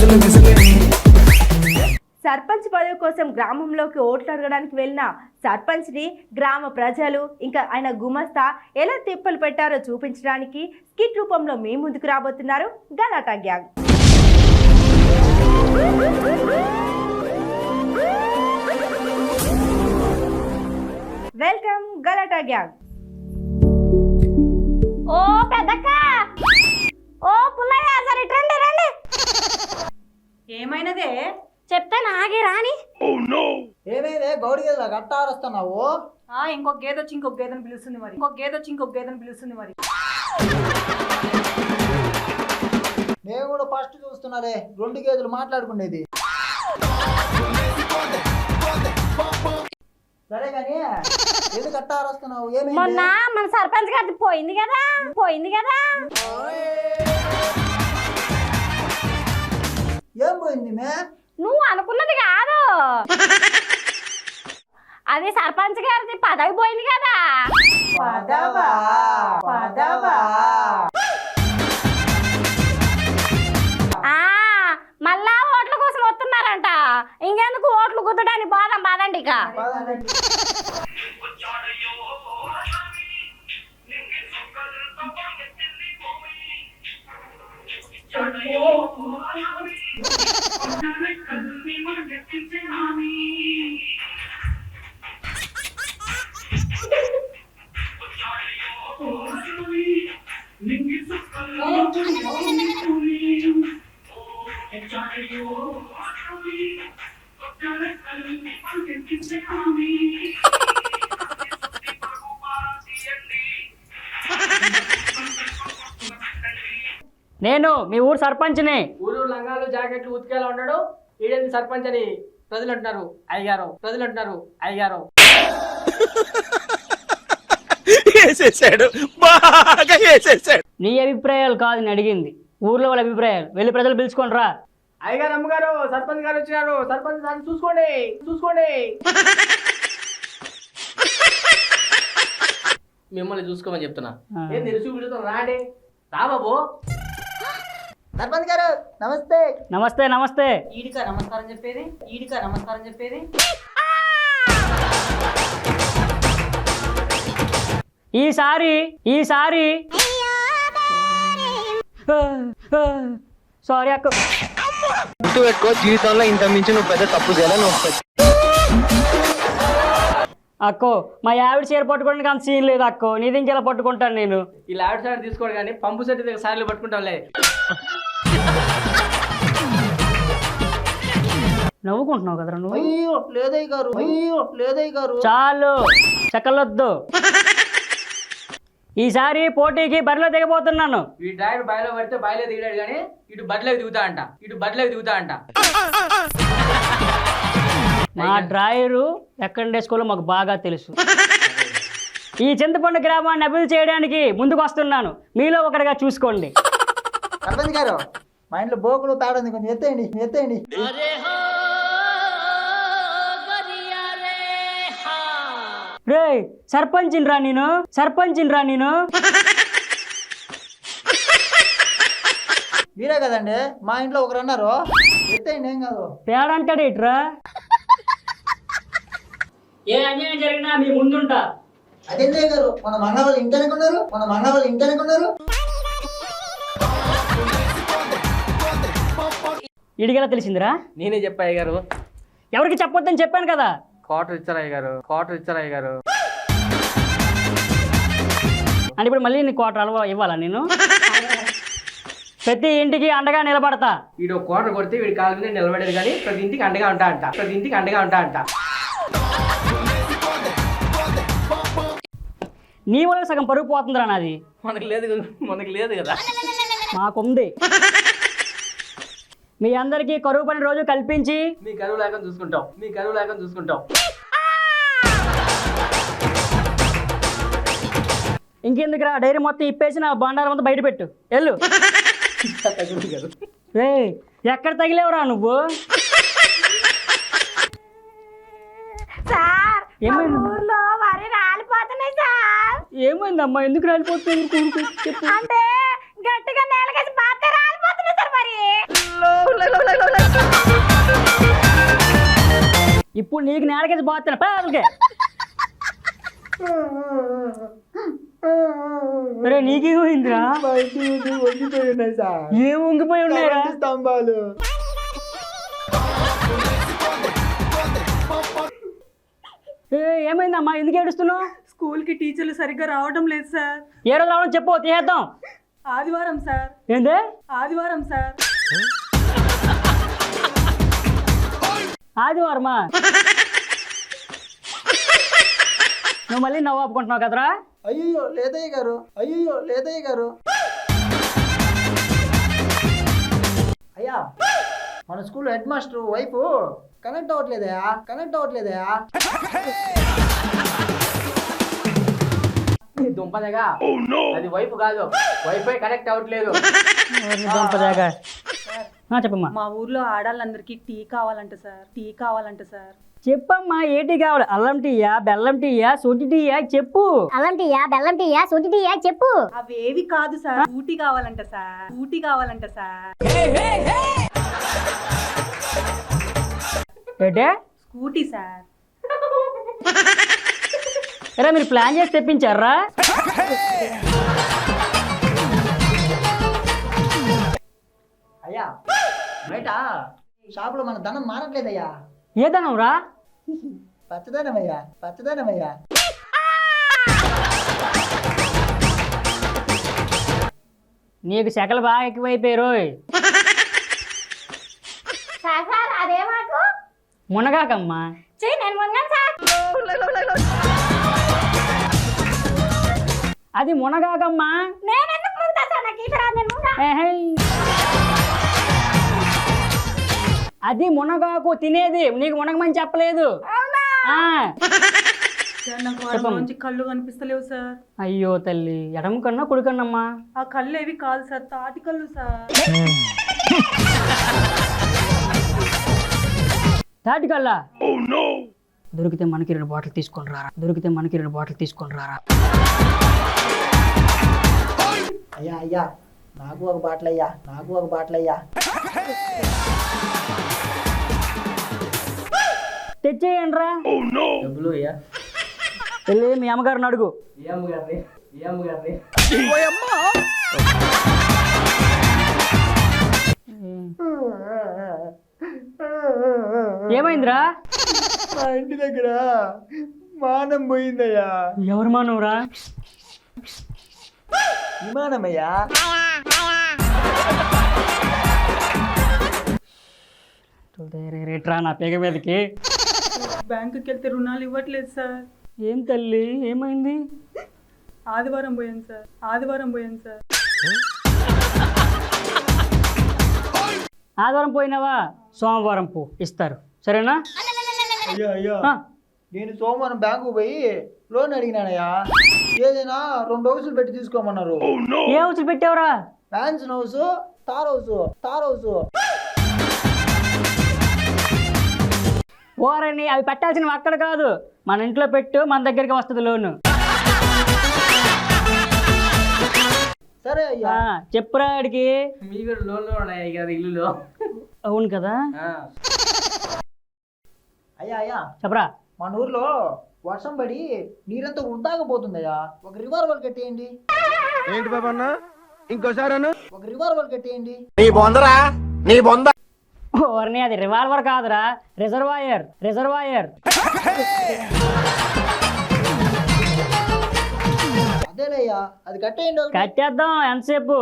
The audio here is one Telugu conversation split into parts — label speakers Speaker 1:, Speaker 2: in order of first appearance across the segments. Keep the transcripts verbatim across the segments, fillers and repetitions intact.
Speaker 1: సర్పంచ్ పదవి కోసం గ్రామంలోకి ఓట్లు అడగడానికి వెళ్ళిన సర్పంచ్ని గ్రామ ప్రజలు ఇంకా ఆయన గుమస్తా ఎలా తిప్పలు పెట్టారో చూపించడానికి స్కిట్ రూపంలో మీ ముందుకు రాబోతున్నారు Galatta gang. Welcome Galatta gang.
Speaker 2: ఓ పెద్దక్క, ఓ పుల్లయ్య, సరే రండి రండి.
Speaker 1: ఏమైనదే
Speaker 2: చెప్తే నాగే రాని.
Speaker 3: ఏమైందే గౌడి గేదెలా గట్ట ఆరుస్తున్నావు?
Speaker 1: ఇంకొక గేదె వచ్చి ఇంకొక గేదెని పిలుస్తుంది మరి ఇంకొక గేదె వచ్చి ఇంకొక గేదెని పిలుస్తుంది మరి
Speaker 3: నేను కూడా ఫస్ట్ చూస్తున్నారే రెండు గేదెలు మాట్లాడుకునేది. సరే కానీ ఏది గట్ట ఆరుస్తున్నావు?
Speaker 2: మొన్న
Speaker 3: ఏమైంది?
Speaker 2: మన సర్పంచ్ గారి పోయింది కదా పోయింది కదా
Speaker 3: ఏం పోయింది మే?
Speaker 2: నువ్వు అనుకున్నది కాదు, అది సర్పంచ్ గారిది పదవి పోయింది కదా.
Speaker 3: పదవా పదవా
Speaker 2: ఆ మళ్ళా ఓట్ల కోసం వస్తున్నారంట. ఇంకెందుకు ఓట్లు గుద్దడానికి బాధం బాదండి. ఇక
Speaker 4: నేను మీ ఊరు సర్పంచ్ని.
Speaker 5: ఊరు లంగాలు జాకెట్లు ఉతికేలా ఉన్నాడు ఈడేంది సర్పంచ్ అని ప్రజలు అంటున్నారు. అయ్యగారు ప్రజలు అంటున్నారు. అయ్యగారు
Speaker 4: నీ అభిప్రాయాలు కాదు నేను అడిగింది, ఊర్లో వాళ్ళ అభిప్రాయాలు. వెళ్ళి ప్రజలు పిలుచుకొని రా.
Speaker 5: అయ్యగారు అమ్మగారు సర్పంచ్ గారు వచ్చినారు. సర్పంచ్ గారిని చూసుకోండి చూసుకోండి. మిమ్మల్ని చూసుకోమని చెప్తున్నా. ఏం తెలుసు వీడితో రాండి రా బాబు.
Speaker 3: సర్పంచ్ గారు నమస్తే.
Speaker 4: నమస్తే నమస్తే.
Speaker 1: ఈడికా నమస్కారం చెప్పేది ఈడికా నమస్కారం చెప్పేది
Speaker 4: ఈసారి ఈసారి సారీ అక్క.
Speaker 6: ఎక్కువ జీవితంలో ఇంత మించి నువ్వు పెద్ద తప్పు చేయాలని నువ్వు
Speaker 4: అక్కో మా ఆవిడ చీర పట్టుకోవడానికి అంత సీన్ లేదు అక్కో. నీది ఇంకెలా పట్టుకుంటాను నేను?
Speaker 5: ఈ లాడ్ సైడ్ తీసుకోడు కానీ పంపు సెట్ దగ్గర సార్లు పట్టుకుంటాంలే.
Speaker 4: నవ్వుకుంటున్నావు కదరా నువ్వు?
Speaker 3: అయ్యో లేదయ్య గారు, అయ్యో లేదయ్య గారు.
Speaker 4: చాలు చక్కలొద్దు. ఈసారి పోటీకి బరిలో దిగబోతున్నాను.
Speaker 5: ఈ డ్రైవర్ బాయిలో పడితే బాయిలో దిగాడు కానీ ఇటు బడిలోకి దిగుతా అంట ఇటు బడిలోకి దిగుతా అంట.
Speaker 4: మా డ్రాయరు ఎక్కడ వేసుకోవాలో మాకు బాగా తెలుసు. ఈ చింతపండు గ్రామాన్ని అభివృద్ధి చేయడానికి ముందుకు వస్తున్నాను. మీలో ఒకటిగా చూసుకోండి.
Speaker 3: సర్పంచ్ గారు మా ఇంట్లో బోకులు తాడుంది, కొంచెం ఎత్తేయండి ఎత్తేయండి.
Speaker 4: రే సర్పంచిని రా నేను, సర్పంచిని రా నేను.
Speaker 3: మీరే కదండి మా ఇంట్లో ఒకరు అన్నారు. ఎత్తేయండి ఏం కాదు.
Speaker 4: పేడంటాడు ఇట్రా. ఏ అన్యాయం జరిగినా మీ ముందుంటా.
Speaker 3: అదేంటే గారు మన మన్న వాళ్ళు ఇంటనుకున్నారు మన మన్న వాళ్ళు ఇంటనుకున్నారు.
Speaker 4: ఇడిగేలా తెలిసిందిరా?
Speaker 5: నేనే చెప్పా అయ్యగారు.
Speaker 4: ఎవరికి చెప్పొద్దని చెప్పాను కదా.
Speaker 5: క్వార్టర్ ఇచ్చారు అయ్యగారు క్వార్టర్ ఇచ్చారు అయ్యగారు.
Speaker 4: అంటే ఇప్పుడు మళ్ళీ నీ క్వార్టర్ అలవా ఇవ్వాలా నేను? ప్రతి ఇంటికి అండగా నిలబడతా.
Speaker 5: వీడు క్వార్టర్ కొడితే వీడి కాళ్ళ మీద నిలబడేది కానీ ప్రతి ఇంటికి అండగా ఉంటా అంట ప్రతి ఇంటికి అండగా ఉంటా అంట.
Speaker 4: నీ వల్ల సగం పరుగు పోతుందిరా నాది.
Speaker 5: మనకు లేదు మనకు లేదు కదా.
Speaker 4: మాకుంది. మీ అందరికీ కరువు పని రోజు కల్పించి
Speaker 5: మీ కరువు లేక చూసుకుంటాం మీ కరువు లేక చూసుకుంటాం.
Speaker 4: ఇంకెందుకురా డైరీ మొత్తం ఇప్పేసి నా బండారం అంతా బయట పెట్టు. వెళ్ళు. రే ఎక్కడ తగిలేవురా నువ్వు?
Speaker 2: సార్
Speaker 4: ఏమైంది?
Speaker 2: ఊర్లో వరి రాలిపోతున్నాయి సార్.
Speaker 4: ఏమైందమ్మా? ఎందుకు రాలిపోతుంది? చెప్పు.
Speaker 2: అంటే గట్టిగా నేలకేసి బాగా రాలిపోతున్నాయి సార్. మరి
Speaker 4: ఇప్పుడు నీకు నేలకేసి పోతాను పాలకే. రే నీకేమైందిరా?
Speaker 3: మా ఇంటి ముందు వంగిపోయి ఉన్నాయి సార్.
Speaker 4: ఏం ఉంగిపోయి ఉన్నాయా?
Speaker 3: కరెంటు స్తంభాలు.
Speaker 4: ఏ, ఏమైందమ్మా, ఎందుకు ఏడుస్తున్నావు?
Speaker 7: స్కూల్కి టీచర్లు సరిగ్గా రావడం లేదు సార్.
Speaker 4: ఏ రోజు రావడం చెప్పు, తీసేద్దాం.
Speaker 7: ఆదివారం సార్.
Speaker 4: ఏందే
Speaker 7: ఆదివారం సార్.
Speaker 4: ఆదివారమా? నువ్వు మళ్ళీ నవ్వు ఆపుకుంటున్నావు కదరా?
Speaker 3: అయ్యో లేదయ్య గారు, అయ్యో లేదయ్య గారు. అయ్యా, మన school head master wife connect అవ్వట్లేదయా, కనెక్ట్ అవ్వట్లేదయా.
Speaker 5: దుంపదగా అది వైపు కాదు, వైఫై కనెక్ట్ అవ్వట్లేదు.
Speaker 4: దొంపదాగా. ఆ, చెప్పమ్మా.
Speaker 7: మా ఊర్లో ఆడాళ్ళందరికీ టీ కావాలంట సార్. టీ కావాలంట సార్.
Speaker 4: చెప్పమ్మా, ఏ టీ కావాలి? అల్లం టీయా, బెల్లం టీయా, సొంటి టీయా? చెప్పు.
Speaker 2: అల్లం టీయా, బెల్లం టీయా, సొంటి టీయా చెప్పు.
Speaker 7: అవేవి కాదు సార్. ఊటీ కావాలంట సార్. ఊటీ కావాలంట సార్.
Speaker 4: ఏంటే?
Speaker 7: Scooty sir.
Speaker 4: ఎరా మీరు ప్లాన్ చేసి తెప్పించారా?
Speaker 3: అయ్యా, బయట షాపులో మన ధనం మారట్లేదయ్యా.
Speaker 4: ఏ ధనం రా?
Speaker 3: పచ్చదనమయ్యా, పచ్చదనమయ్యా.
Speaker 4: నీకు శకలు బాగా ఎక్కువైపోయారు.
Speaker 2: సార్ సార్ అదే మాకు
Speaker 4: మునగాకమ్మా.
Speaker 2: చెయ్యి నేను మునగాను సార్.
Speaker 4: అది మునగాకమ్మా.
Speaker 2: నేను ఎందుకు మునుగుతా సార్? నాకు ఈత రాదు, నేను మునగా.
Speaker 4: ఏహే. అది మునగాకు తినేది, నీకు మునగమని చెప్పలేదు. ఆ.
Speaker 7: సార్ నాకు వారం నుంచి కళ్ళు కనిపిస్తలేవు సార్.
Speaker 4: అయ్యో తల్లి, ఎడమ కన్నా కుడికన్నమ్మా?
Speaker 7: ఆ కళ్ళు ఏవి కాదు సార్, తాటి కళ్ళు సార్.
Speaker 4: తాటి కల్లా? దొరికితే మనకి రెండు బాటిల్ తీసుకొని రారా, దొరికితే మనకి రెండు బాటిల్ తీసుకొని రారా.
Speaker 3: అయ్యా అయ్యా, నాకు ఒక బాటిల్ అయ్యా, నాకు ఒక బాటిల్ అయ్యా.
Speaker 4: తెచ్చేయండి రా.
Speaker 5: డబ్బులు అయ్యా.
Speaker 4: వెళ్ళి మీ అమ్మగారిని అడుగు.
Speaker 5: ఏ అమ్మగారిని? ఏ అమ్మగారిని?
Speaker 4: ఏమైందిరా?
Speaker 3: మా ఇంటి దగ్గర మానం పోయిందయ్యా.
Speaker 4: ఎవరు మానవురా?
Speaker 3: విమానమయ్యా.
Speaker 4: రేట్రా నా పేగ మీదకి.
Speaker 7: బ్యాంకుకి వెళ్తే రుణాలు ఇవ్వట్లేదు సార్.
Speaker 4: ఏం తల్లి, ఏమైంది?
Speaker 7: ఆదివారం పోయాను సార్. ఆదివారం పోయాను సార్.
Speaker 4: ఆదివారం పోయినావా? సోమవారం పో, ఇస్తారు. సరేనా?
Speaker 3: అయ్యా అయ్యా,
Speaker 4: ఆ,
Speaker 3: నేను సోమవారం బ్యాంకు పోయి లోన్ అడిగినానయ్యా. ఏదైనా రెండు హౌసులు పెట్టి తీసుకోమన్నారు.
Speaker 4: ఏ హౌస్ పెట్టావురా?
Speaker 3: మ్యాన్షన్ హౌస్, తార్ హౌస్, తార్ హౌస్.
Speaker 4: ఓరని అవి పెట్టాల్సినవి అక్కడ కాదు, మన ఇంట్లో పెట్టు, మన దగ్గరికి వస్తుంది లోను.
Speaker 3: సరే అయ్యా.
Speaker 4: ఆ, చెప్పురా ఆడికి.
Speaker 5: మీ కూడా లోన్లో ఉన్నాయి కదా ఇల్లులో.
Speaker 4: అవును కదా?
Speaker 5: ఆ.
Speaker 3: అయ్యా అయ్యా,
Speaker 4: చెప్పరా.
Speaker 3: మన ఊర్లో వర్షం పడి నీరంతా వృద్ధాగా పోతుందయ్యా. ఒక రివాల్వర్ కట్టేయండి.
Speaker 6: ఏంటి బాబా అన్న, ఇంకోసారి అన్న.
Speaker 3: ఒక రివాల్వర్ కట్టేయండి.
Speaker 4: ఓరని అది రివాల్వర్ కాదురా, రిజర్వాయర్, రిజర్వాయర్.
Speaker 3: అదేలేయ్యా, అది కట్టేయండి ఒకటి.
Speaker 4: కట్టేద్దాం, ఎంతసేపు?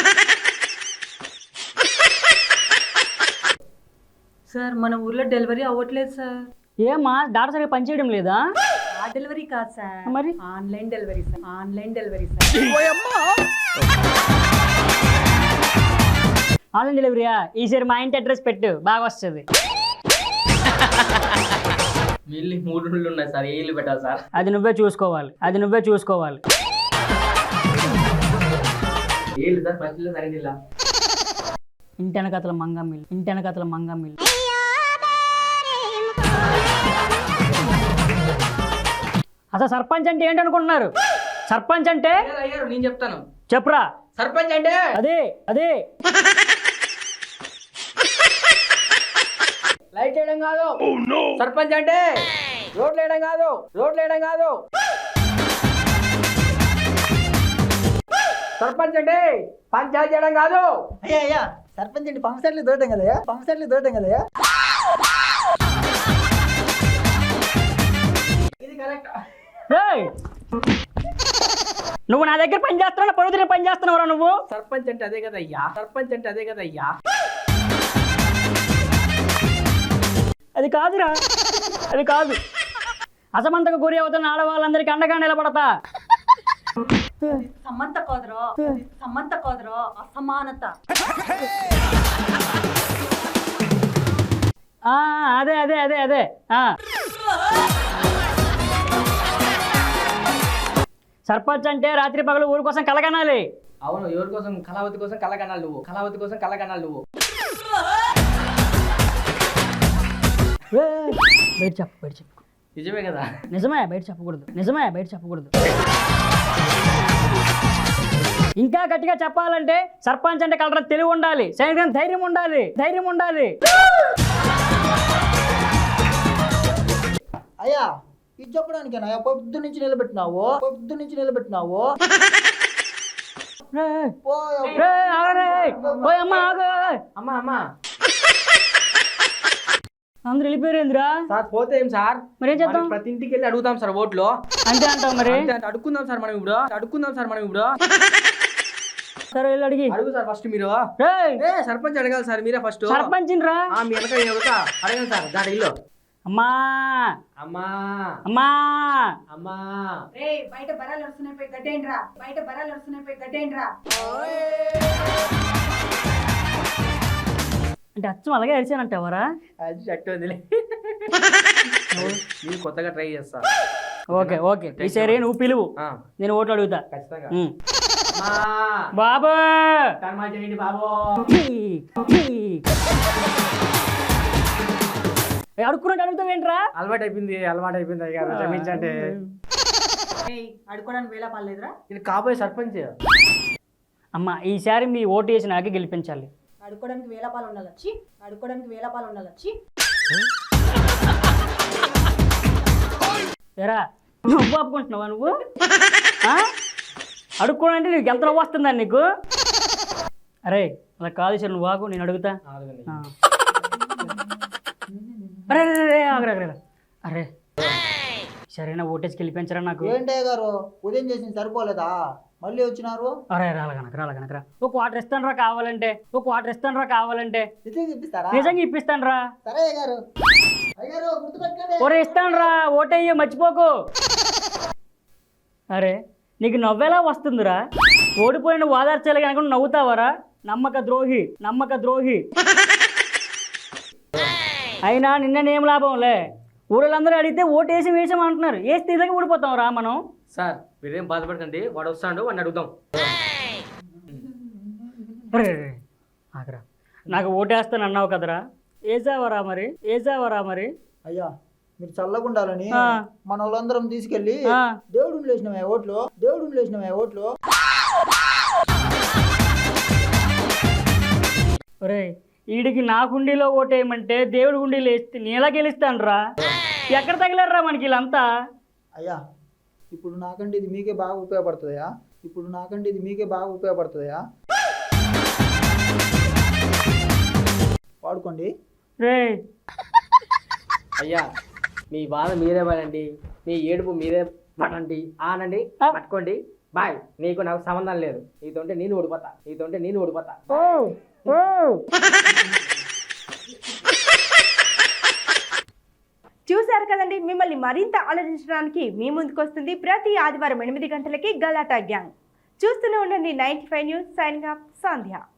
Speaker 7: సార్ మన ఊర్లో డెలివరీ అవ్వట్లేదు సార్.
Speaker 4: ఏమా డాటా సరిగ్గా పనిచేయడం లేదా?
Speaker 7: ఆ డెలివరీ కాదు సార్,
Speaker 4: మరి
Speaker 7: online delivery sir. Online delivery sir.
Speaker 4: Online డెలివరీయా? ఈసారి మా ఇంటి అడ్రస్ పెట్టు, బాగా వస్తుంది.
Speaker 5: మీ ఇల్లు మూడు ఇళ్ళు ఉన్నాయి సార్, ఏ ఇల్లు పెట్టాలి సార్?
Speaker 4: అది నువ్వే చూసుకోవాలి, అది నువ్వే చూసుకోవాలి.
Speaker 5: ఏ ఇల్లు సార్? ఫస్ట్ ఇల్లు, సెకండ్ ఇల్లా?
Speaker 4: ఇంటి వెనకతల మంగమ్మిల్లు, ఇంటి వెనకతల మంగమ్మిల్లు. అసలు సర్పంచ్ అంటే ఏంటనుకుంటున్నారు? సర్పంచ్ అంటే
Speaker 5: అయ్యారు, అయ్యారు, నేను చెప్తాను.
Speaker 4: చెప్పురా.
Speaker 5: సర్పంచ్ అంటే
Speaker 4: అదే అదే
Speaker 5: లైట్ వేయడం కాదు సర్పంచ్ అంటే రోడ్లు వేయడం కాదు రోడ్లు వేయడం కాదు సర్పంచ్ అంటే పంచాయతీ చేయడం కాదు.
Speaker 3: అయ్యా అయ్యా సర్పంచ్ అండి పంప్ సెట్లు దూరటం కదయ్యా పంప్ సెట్లు దూరటం కదయ్యా.
Speaker 5: ఇది కరెక్ట్.
Speaker 4: రేయ్! నువ్వు నా దగ్గర పని చేస్తున్నావు పరువు పని చేస్తున్నావురా నువ్వు.
Speaker 5: సర్పంచ్ అంటే అదే కదా అయ్యా సర్పంచ్ అంటే అదే కదా అయ్యా.
Speaker 4: అది కాదురా అది కాదు. అసమంతకు గురి అవుతున్న ఆడవాళ్ళందరికీ అండగా నిలబడతా.
Speaker 7: సమంత కోదరో సమంత కోదరో అసమానత.
Speaker 4: ఆ, అదే అదే అదే అదే ఆ. సర్పంచ్ అంటే రాత్రి పగలు ఊరి కోసం కలగనాలి.
Speaker 5: అవును ఎవరి కోసం కళావతి కోసం కలగనాలు నువ్వు కళావతి కోసం కలగనాలు నువ్వు.
Speaker 4: ఏయ్! బయట చెప్పు బయట చెప్పు.
Speaker 5: నిజమే కదా.
Speaker 4: నిజమే బయట చెప్పకూడదు నిజమే బయట చెప్పకూడదు. ఇంకా గట్టిగా చెప్పాలంటే సర్పంచ్ అంటే కలరా తెలివి ఉండాలి, సైనికం ధైర్యం ఉండాలి ధైర్యం ఉండాలి.
Speaker 3: అయ్యా ఇది చెప్పడానికేనా పొద్దు నుంచి నిలబెట్టినావు పొద్దు నుంచి నిలబెట్టినావు.
Speaker 4: రేయ్!
Speaker 3: పో,
Speaker 4: రేయ్, ఆగరే! ఓయ్ అమ్మ ఆగు!
Speaker 5: అమ్మా అమ్మా
Speaker 4: అందరూ వెళ్ళిపోయారేంద్రా?
Speaker 5: సార్ పోతే ఏం సార్
Speaker 4: మరేం చేద్దాం?
Speaker 5: మనం ప్రతి ఇంటికి వెళ్ళి అడుగుతాం సార్ ఓట్లు.
Speaker 4: అంతే అంటావు మరి.
Speaker 5: అంతే అంటే అడుక్కుందాం సార్ మనం ఇప్పుడు అడుక్కుందాం సార్ మనం ఇప్పుడు
Speaker 4: సరే వెళ్ళి అడిగి.
Speaker 5: అడుగు సార్ ఫస్ట్ మీరు.
Speaker 4: రేయ్!
Speaker 5: ఏ సర్పంచ్ అడగాలి సార్ మీరే ఫస్ట్.
Speaker 4: సర్పంచ్ రా.
Speaker 5: ఆ మీ వెనక అడుగుతా అడగండి సార్ దాని ఇల్లు.
Speaker 4: అమ్మా
Speaker 5: అమ్మా
Speaker 4: అమ్మా
Speaker 5: అమ్మా
Speaker 7: రేయ్ బయట బరాలు వస్తున్నాయి పోయి గడ్డేండ్రా బయట బరాలు వస్తున్నాయి పోయి గడ్డేండ్రా.
Speaker 4: అంటే అచ్చం అలాగే అరిచానంటావరా?
Speaker 5: అది షర్ట్ వదిలే నేను కొత్తగా ట్రై చేస్తా.
Speaker 4: ఓకే ఓకే ఈసారి నువ్వు పిలువు,
Speaker 5: ఆ,
Speaker 4: నేను ఓట్లు అడుగుతా.
Speaker 5: ఖచ్చితంగా.
Speaker 4: ఉమ్.
Speaker 5: అమ్మా
Speaker 4: బాబు
Speaker 5: కర్మ చేయండి బాబు.
Speaker 4: అడుక్కున్నట్టు అడుగుతావేంట్రా?
Speaker 5: అలవాటు అయిపోయింది అలవాటు అయిపోయింది అయ్యారు క్షమించండి.
Speaker 7: రేయ్ అడుకోవడానికి వేళ పర్లేదురా.
Speaker 5: నేను కాబోయే సర్పంచ్.
Speaker 4: అమ్మ ఈసారి మీ ఓటు వేసి నాకే గెలిపించాలి.
Speaker 7: అడుకోవడానికి వేళ పాలు ఉండాలి వచ్చి అడుకోవడానికి వేళ పాలు ఉండాలి వచ్చి.
Speaker 4: ఎరా నువ్వు ఆపుకుంటున్నావా నువ్వు? ఆ? అడుక్కోనంటే నీకు ఎంత నవ్వు వస్తుందా నీకు? అరే అలా కాదు సార్ నువ్వు ఆగు నేను అడుగుతా. ఆ. అరే అరే అరే ఆగరా ఆగరా అరే సరేనా ఓటేసి గెలిపించరా నాకు.
Speaker 3: ఏంటయ్య గారు ఉదయం చేసింది సరిపోలేదా మళ్ళీ వచ్చినారు?
Speaker 4: అరే రాలగనక రాలగనకరా ఒక వాటర్ ఇస్తాను రా కావాలంటే ఒక వాటర్ ఇస్తాను రా కావాలంటే
Speaker 3: నిజంగా ఇప్పిస్తారా?
Speaker 4: నిజంగా ఇప్పిస్తాను రా.
Speaker 3: సరే అయ్య గారు అయ్యారు గుర్తుపెట్టుకోండి.
Speaker 4: ఒరే ఇస్తాను రా ఓటయ్యో మర్చిపోకు. అరే నీకు నవ్వేలా వస్తుందిరా? ఓడిపోయిన వాదార్చాలి కనుక నవ్వుతావరా? నమ్మక ద్రోహి నమ్మక ద్రోహి. అయినా నిన్ననేం లాభంలే, ఊళ్ళందరూ అడిగితే ఓటు వేసి వేసాం అంటున్నారు. వేసి తీసాక ఊడిపోతాం రా మనం.
Speaker 5: సార్ మీరేం బాధపడకండి వాడు వస్తాడు వాడిని అడుగుదాం.
Speaker 4: అరే ఆగరా నాకు ఓటేస్తాను అన్నావు కదరా, ఏసావరా మరి ఏసావరా మరి.
Speaker 3: అయ్యా మీరు చల్లగుండాలని
Speaker 4: ఆ.
Speaker 3: మన వాళ్ళందరం తీసుకెళ్ళి
Speaker 4: ఆ.
Speaker 3: దేవుడిని లేచినవే ఓట్లు దేవుడిని లేచినవే ఓట్లు.
Speaker 4: ఒరే వీడికి నా గుండీలో ఓటేయమంటే దేవుడి గుండీలో వేస్తే నేను ఎలా గెలుస్తాను రా? ఎక్కడ తగిలారా మనకి వీళ్ళంతా?
Speaker 3: అయ్యా ఇప్పుడు నాకంటే ఇది మీకే బాగా ఉపయోగపడుతుందయా ఇప్పుడు నాకంటే ఇది మీకే బాగా ఉపయోగపడుతుందయా వాడుకోండి.
Speaker 4: రే
Speaker 5: అయ్యా మీ బాధ మీరే పడండి మీ ఏడుపు మీరే పడండి ఆనండి పట్టుకోండి బాయ్. నీకు నాకు సంబంధం లేదు. నీతోంటే నేను ఓడిపోతా నీతోంటే నేను ఓడిపోతా.
Speaker 4: ఓ ఓ
Speaker 1: చూశారు కదండి, మిమ్మల్ని మరింత ఆలోచించడానికి మీ ముందుకు వస్తుంది ప్రతి ఆదివారం ఎనిమిది గంటలకి గలాటా గ్యాంగ్. చూస్తూనే ఉండండి ninety five news. Signing off సంధ్య.